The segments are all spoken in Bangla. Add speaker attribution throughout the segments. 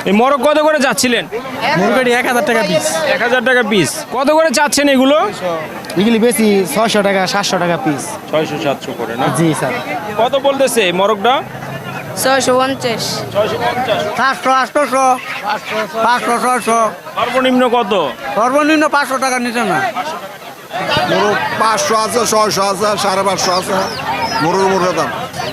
Speaker 1: এই মোরগ কত করে যাচ্ছিলেন?
Speaker 2: মুরগি 1000 টাকা পিস।
Speaker 1: 1000 টাকা পিস। কত করে চাচ্ছেন এগুলো?
Speaker 2: এগুলি বেশি 600 টাকা 700 টাকা পিস।
Speaker 1: 600-700 করে না?
Speaker 2: জি স্যার।
Speaker 1: কত বলতেছে এই মোরগটা?
Speaker 3: 650
Speaker 1: 650।
Speaker 2: 700 800 500 600
Speaker 1: সর্বনিম্ন কত?
Speaker 2: সর্বনিম্ন 500 টাকা নিচে না।
Speaker 4: মোরগ 500 আছে, 600 আছে, 550 আছে, মোরগের দাম।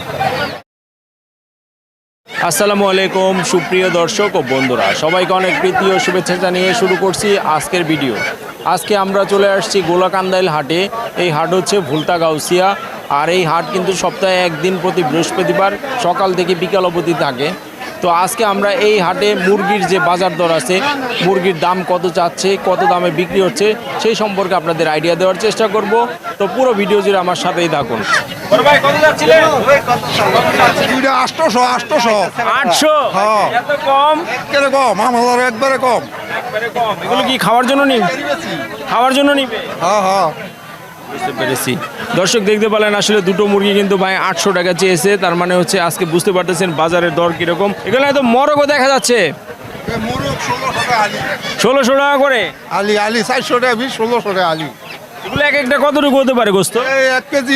Speaker 1: আসসালামু আলাইকুম সুপ্রিয় দর্শক ও বন্ধুরা, সবাইকে অনেক প্রীতি ও শুভেচ্ছা জানিয়ে শুরু করছি আজকের ভিডিও। আজকে আমরা চলে আসছি গোলাকান্দাইল হাটে। এই হাট হচ্ছে ভুলতা গাউসিয়া, আর এই হাট কিন্তু সপ্তাহে একদিন প্রতি বৃহস্পতিবার সকাল থেকে বিকাল অবধি থাকে। তো আজকে আমরা এই হাটে মুরগির যে বাজার দর আছে, মুরগির দাম কত চাচ্ছে, কত দামে বিক্রি হচ্ছে, সেই সম্পর্কে আপনাদের আইডিয়া দেওয়ার চেষ্টা করব। তো পুরো ভিডিও জুড়ে আমার সাথেই থাকুন। ভাই কত যাচ্ছিলেন?
Speaker 4: 800
Speaker 1: 800?
Speaker 4: হ্যাঁ।
Speaker 1: এত কম?
Speaker 4: কেন কম? আমার একবারে কম।
Speaker 1: একবারে কম। এগুলো কি খাওয়ার জন্য নিবে? খাওয়ার জন্য নিবে?
Speaker 4: হ্যাঁ হ্যাঁ।
Speaker 1: বুঝতে পেরেছি। দর্শক দেখতে পেলেন আসলে দুটো মুরগি কিন্তু ভাই 800 টাকা চেয়েছে। তার মানে হচ্ছে আজকে বুঝতে পারতেছেন বাজারের দর কিরকম। এখানে তো মরগও দেখা যাচ্ছে
Speaker 4: মোরগ 1600 টাকা আলি।
Speaker 1: 1600 টাকা করে
Speaker 4: আলি 400 টাকা পিস, 1600 টাকা আলি।
Speaker 1: এগুলো এক একটা কতটুকু হতে পারে গোস্ত?
Speaker 4: এই 1 কেজি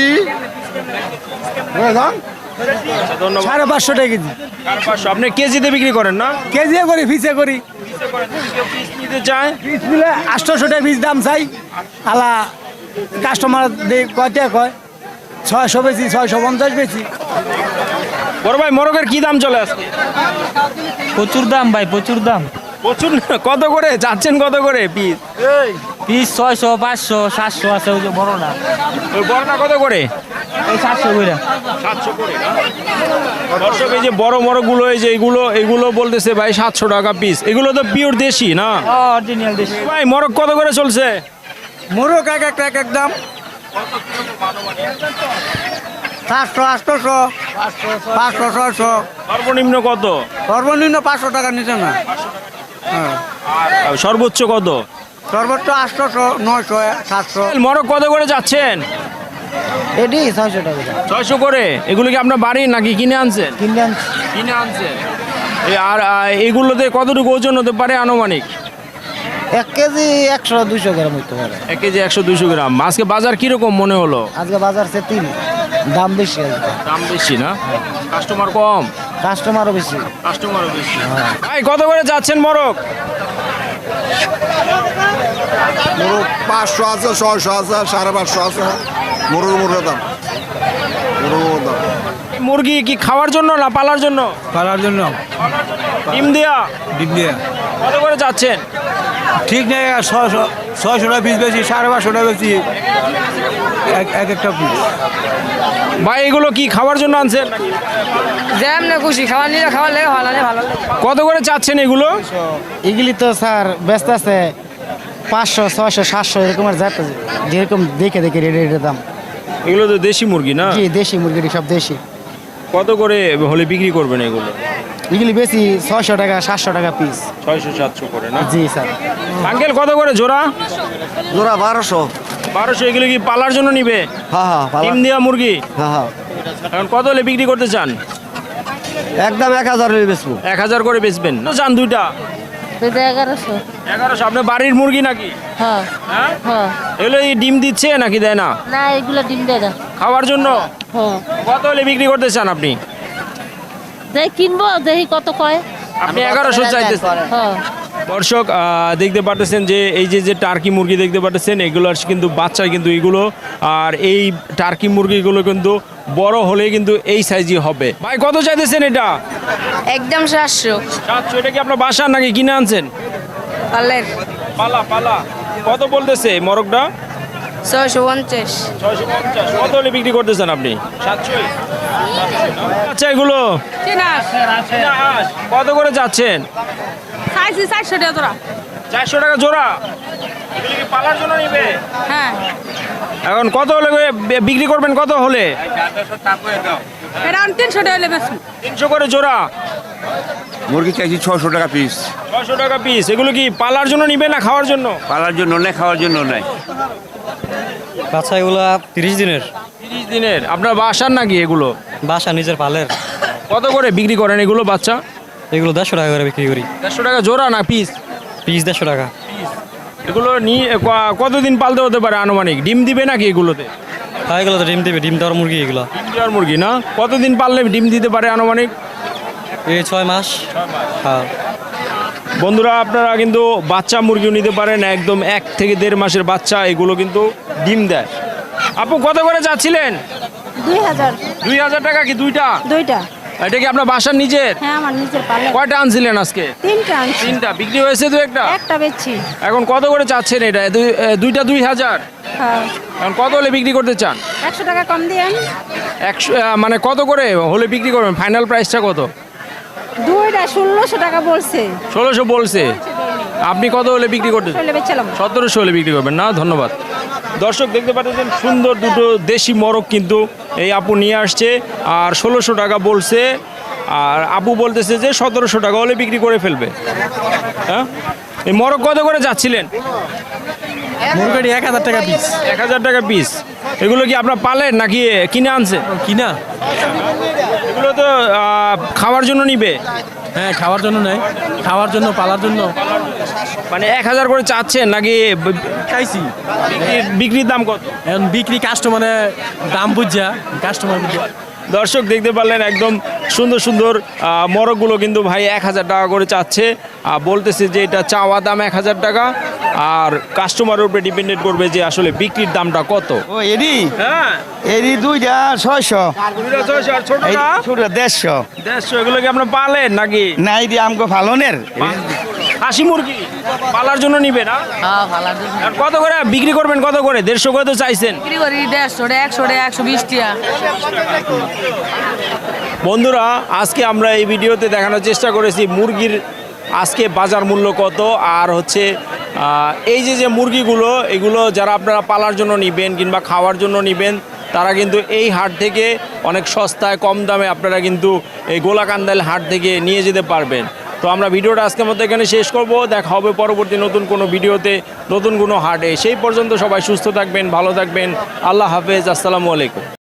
Speaker 4: দাম
Speaker 1: ধন্যবাদ।
Speaker 2: 550 টাকা কেজি।
Speaker 1: 550। আপনি কেজিতে বিক্রি করেন না?
Speaker 2: কেজি করি পিসে করি।
Speaker 1: পিস নিতে চায়?
Speaker 2: পিস মিলে 800 টাকা পিস দাম চাই। আলা কাস্টমার কয় টাকা কয়? 600 বেশি, 650 বেশি।
Speaker 1: বড় ভাই মরগের কি দাম চলে আজকে?
Speaker 5: প্রচুর দাম ভাই, প্রচুর দাম।
Speaker 1: প্রচুর। কত করে যাচ্ছেন, কত করে পিস?
Speaker 5: পিস 600 500 700 আছে, ওই যে বড় না,
Speaker 1: ওই বড়টা কত করে?
Speaker 5: এই 700 করে।
Speaker 1: 700 করে না? দর্শক এই যে বড় মরগুলো, এই যে এগুলো বলতেছে ভাই 700 টাকা পিস। এগুলো তো পিওর দেশি না?
Speaker 5: অরিজিনাল দেশি।
Speaker 1: ভাই মরগ কত করে চলছে?
Speaker 2: মোরগ এক এক দাম 700 800 500 600।
Speaker 1: সর্বনিম্ন কত?
Speaker 2: সর্বনিম্ন 500 টাকা নিচে না। হ্যাঁ।
Speaker 1: আর সর্বোচ্চ কত?
Speaker 2: সর্বোচ্চ 800 900 700।
Speaker 1: মরগ কত করে যাচ্ছেন?
Speaker 2: এডি 600 টাকা।
Speaker 1: 600 করে। এগুলো কি আপনার বাড়ির নাকি কিনে আনছেন?
Speaker 2: কিনে
Speaker 1: আনছেন। আর এগুলোতে কতটুকু ওজন হতে পারে আনুমানিক?
Speaker 2: 1 কেজি 100 200 গ্রাম হইতে পারে।
Speaker 1: 1 কেজি 100-200 গ্রাম। আজকে বাজার কিরকম মনে হলো?
Speaker 2: আজকে বাজার সে 3 দাম বেশি আজকে।
Speaker 1: দাম বেশি না? কাস্টমার কম?
Speaker 2: কাস্টমারও বেশি।
Speaker 1: কাস্টমারও বেশি। ভাই কত করে যাচ্ছেন মরগ?
Speaker 4: মোরগ 500 আছে, 600 আছে, 550 আছে, মোরগের দাম।
Speaker 1: মুরগি কি খাওয়ার জন্য না পালার জন্য?
Speaker 2: পালার জন্য
Speaker 1: ডিম দেয়া?
Speaker 2: ডিম দিয়ে
Speaker 1: কত করে যাচ্ছেন?
Speaker 2: ঠিক নেই। 600 টাকা পিস বেশি, 550 টাকা বেশি এক একটা পিস।
Speaker 1: ভাই এগুলো কি খাওয়ার জন্য আনছেন নাকি?
Speaker 3: যেমন খুশি খাবার নিলে খাবার লাগে, ভালো লাগে ভালো লাগে।
Speaker 1: কত করে চাচ্ছেন এগুলো?
Speaker 2: এগুলি তো স্যার ব্যস্ত আছে 500 600 700 এরকমের যাতে যেরকম দেখে রেটের দাম।
Speaker 1: এগুলো তো দেশি মুরগি না?
Speaker 2: জি দেশি মুরগি, সব দেশি।
Speaker 1: কত করে হলে বিক্রি করবেন এগুলো?
Speaker 2: এগুলি বেশি 600 টাকা 700 টাকা পিস।
Speaker 1: 600-700 করে না?
Speaker 2: জি স্যার।
Speaker 1: আঙ্কেল কত করে জোড়া?
Speaker 4: জোড়া 1200।
Speaker 1: 1200। এগুলো কি পালার জন্য নিবে?
Speaker 4: হ্যাঁ হ্যাঁ
Speaker 1: ডিম দেওয়া মুরগি?
Speaker 4: হ্যাঁ।
Speaker 1: এখন কত হলে বিক্রি করতে চান?
Speaker 4: একদম 1000 হলে বেচবো।
Speaker 1: 1000 করে বেচবেন না? চান দুইটা?
Speaker 3: 1100।
Speaker 1: 1100। আপনার বাড়ির মুরগি নাকি?
Speaker 3: হ্যাঁ
Speaker 1: হ্যাঁ।
Speaker 3: হ্যাঁ।
Speaker 1: এগুলো এই ডিম দিচ্ছে নাকি দেয় না?
Speaker 3: না এগুলো ডিম দেয় না।
Speaker 1: খাওয়ার জন্য?
Speaker 3: হ্যাঁ।
Speaker 1: কত হলে বিক্রি করতে চান আপনি?
Speaker 3: দেখি কিনবো, দেখি কত কয়।
Speaker 1: আপনি 1100 চাইতেছেন?
Speaker 3: হ্যাঁ।
Speaker 1: দর্শক দেখতে পাচ্ছেন যে এই যে টার্কি মুরগি দেখতে পাচ্ছেন, এগুলো কিন্তু বাচ্চা কিন্তু এগুলো। আর এই টার্কি মুরগিগুলো কিন্তু বড় হলে কিন্তু এই সাইজই হবে। ভাই কত চাইতেছেন এটা?
Speaker 3: একদম 700।
Speaker 1: 700। এটা কি আপনার বাসার নাকি কিনে আনছেন?
Speaker 3: পালের
Speaker 1: পালা। কত বলতেছে মরগটা?
Speaker 3: 650।
Speaker 1: 650। কত হলে বিক্রি করতেছেন আপনি? 700। আচ্ছা এগুলো কত করে যাচ্ছেন?
Speaker 3: 400 টাকা তোরা।
Speaker 1: 400 টাকা জোড়া। এগুলো কি পালার জন্য নিবে?
Speaker 3: হ্যাঁ।
Speaker 1: এখন কত হলে বিক্রি করবেন? কত হলে?
Speaker 3: এটা 300 টাকা হলে বেশি।
Speaker 1: 300 করে জোড়া।
Speaker 4: মুরগি চাইছি 600 টাকা পিস।
Speaker 1: 600 টাকা পিস। এগুলো কি পালার জন্য নিবে না খাওয়ার জন্য?
Speaker 4: পালার জন্য নেই, খাওয়ার জন্য নাই।
Speaker 5: বাচ্চা এগুলো 30 দিনের।
Speaker 1: 30 দিনের। আপনার বাসার নাকি এগুলো?
Speaker 5: বাসা নিজের পালের।
Speaker 1: কত করে বিক্রি করেন এগুলো বাচ্চা?
Speaker 5: এগুলো 150 টাকা করে বিক্রি করি।
Speaker 1: 150 টাকা জোড়া না পিস?
Speaker 5: পিস 150 টাকা।
Speaker 1: এগুলো নিয়ে কতদিন পালতে হতে পারে আনুমানিক? ডিম দিবে নাকি এগুলোতে?
Speaker 5: হ্যাঁ, এগুলো তো ডিম দেবে, ডিম দেওয়ার মুরগি এগুলো।
Speaker 1: ডিম দেওয়ার মুরগি না? কতদিন পাললে ডিম দিতে পারে আনুমানিক?
Speaker 5: এই 6 মাস। হ্যাঁ।
Speaker 1: বন্ধুরা, আপনারা কিন্তু বাচ্চা মুরগিও নিতে পারেন, একদম 1 থেকে 1.5 মাসের বাচ্চা, এগুলো কিন্তু ডিম দেয়। আপু কত করে চাচ্ছিলেন?
Speaker 6: 2000
Speaker 1: 2000 টাকা কি দুইটা?
Speaker 6: দুইটা।
Speaker 1: এটা কি আপনার বাসার নিজের?
Speaker 6: হ্যাঁ, আমার নিজের পালে।
Speaker 1: কয়টা আনছিলেন আজকে?
Speaker 6: 3টা আনছি,
Speaker 1: 3টা বিক্রি হয়েছে? তো একটা
Speaker 6: একটা বেচছি।
Speaker 1: এখন কত করে চাচ্ছেন এটা? দুইটা 2000।
Speaker 6: হ্যাঁ,
Speaker 1: এখন কত হলে বিক্রি করতে চান?
Speaker 6: 100 টাকা কম দিয়েন।
Speaker 1: 100 মানে কত করে হলে বিক্রি করবেন? ফাইনাল প্রাইসটা কত?
Speaker 6: দুইটা 1600 টাকা বলছে।
Speaker 1: 1600 বলছে। আপনি কত হলে বিক্রি করতে চান?
Speaker 6: চলে বেচলাম।
Speaker 1: 1700 হলে বিক্রি করবেন না? ধন্যবাদ। দর্শক দেখতে পাচ্ছেন সুন্দর দুটো দেশি মোরগ কিন্তু এই আপু নিয়ে আসছে, আর 1600 টাকা বলছে, আর আপু বলতেছে যে 1700 টাকা হলে বিক্রি করে ফেলবে। হ্যাঁ, এই মোরগ কত করে যাচ্ছিলেন?
Speaker 5: মুরগি 1000 টাকা পিস।
Speaker 1: 1000 টাকা পিস। এগুলো কি আপনার পালেন নাকি কিনে আনছে?
Speaker 5: কিনা।
Speaker 1: এগুলো তো খাওয়ার জন্য নিবে?
Speaker 5: হ্যাঁ, খাওয়ার জন্য নেই, খাওয়ার জন্য, পালার জন্য।
Speaker 1: মানে 1000 করে চাচ্ছেন নাকি
Speaker 5: চাইছি।
Speaker 1: বিক্রির দাম কত?
Speaker 5: এখন বিক্রি কাস্টমারে দাম বুঝা, কাস্টমার বুঝা।
Speaker 1: দর্শক দেখতে পারলেন একদম সুন্দর সুন্দর মোরগগুলো কিন্তু ভাই 1000 টাকা করে চাচ্ছে, বলতেছে যে এটা চাওয়া দাম 1000 টাকা, আর কাস্টমারের উপরে ডিপেন্ডেন্ট করবে যে আসলে বিক্রির দামটা কত।
Speaker 7: ও এডি
Speaker 1: হ্যাঁ,
Speaker 7: এডি 2টা 600,
Speaker 1: দুইটা 600 আর ছোটটা
Speaker 7: ছোট 150।
Speaker 1: 150। এগুলো কি আপনার পালেন নাকি?
Speaker 7: না এডি আমগো ফালনের।
Speaker 1: হাসি মুরগি পালার জন্য নিবে না?
Speaker 3: হ্যাঁ, ভালো আছে।
Speaker 1: আর কত করে বিক্রি করবেন? কত করে? 150 করে তো চাইছেন।
Speaker 3: বিক্রি করি 150 টাকা, 100 টাকা, 120 টাকা।
Speaker 1: বন্ধুরা, আজকে আমরা এই ভিডিওতে দেখানোর চেষ্টা করেছি মুরগির আজকে বাজার মূল্য কত, আর হচ্ছে এই যে মুরগিগুলো, এগুলো যারা আপনারা পালার জন্য নেবেন কিংবা খাওয়ার জন্য নেবেন, তারা কিন্তু এই হাট থেকে অনেক সস্তায় কম দামে আপনারা কিন্তু এই গোলাকান্দাইল হাট থেকে নিয়ে যেতে পারবেন। তো আমরা ভিডিওটা আজকের মধ্যে এখানে শেষ করব। দেখা হবে পরবর্তী নতুন কোনো ভিডিওতে, নতুন কোনো হাটে। সেই পর্যন্ত সবাই সুস্থ থাকবেন, ভালো থাকবেন। আল্লাহ হাফেজ, আসসালামু আলাইকুম।